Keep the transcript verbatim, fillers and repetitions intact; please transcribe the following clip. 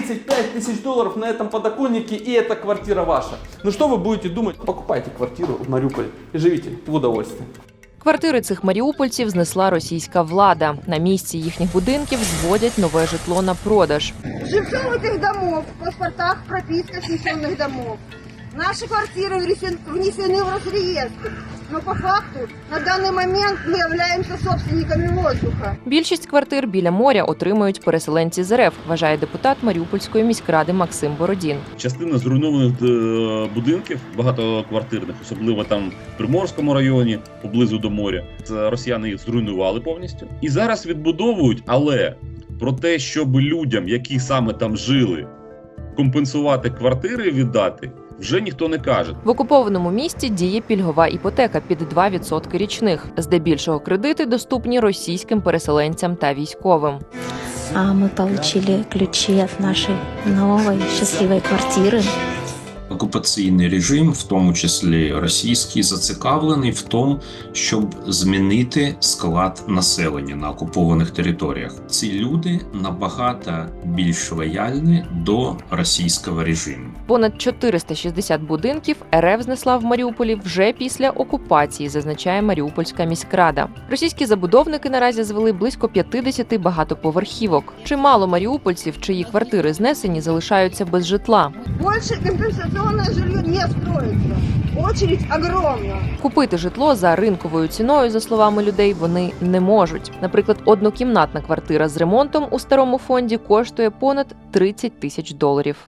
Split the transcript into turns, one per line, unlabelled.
тридцать пять тысяч долларов на этом подоконнике, и эта квартира ваша. Ну что вы будете думать? Покупайте квартиру в Мариуполе и живите в удовольствии.
Квартири цих маріупольців знесла російська влада. На місці їхніх будинків зводять нове житло на продаж.
Жильцов этих домов в паспортах прописка снесенных домов. Наши квартиры внесен- внесены в Росреестр. Но по факту на данный момент мы являемся собственниками воздуха.
Більшість квартир біля моря отримують переселенці з РФ, вважає депутат Маріупольської міськради Максим Бородін.
Частина зруйнованих е, будинків, багатоквартирних, особливо там в Приморському районі, поблизу до моря. Це росіяни їх зруйнували повністю. І зараз відбудовують, але про те, щоб людям, які саме там жили, компенсувати квартири і віддати, вже ніхто не каже.
В окупованому місті діє пільгова іпотека під два відсотки річних. Здебільшого кредити доступні російським переселенцям та військовим.
А мы получили ключи от нашей новой счастливой квартиры.
Окупаційний режим, в тому числі російський, зацікавлений в тому, щоб змінити склад населення на окупованих територіях. Ці люди набагато більш лояльні до російського режиму.
Понад чотириста шістдесят будинків РФ знесла в Маріуполі вже після окупації, зазначає Маріупольська міськрада. Російські забудовники наразі звели близько п'ятдесят багатоповерхівок. Чимало маріупольців, чиї квартири знесені, залишаються без житла.
Больше компенсационное жилье не строится. Очередь огромна.
Купити житло за ринковою ціною, за словами людей, вони не можуть. Наприклад, однокімнатна квартира з ремонтом у старому фонді коштує понад тридцять тисяч доларів.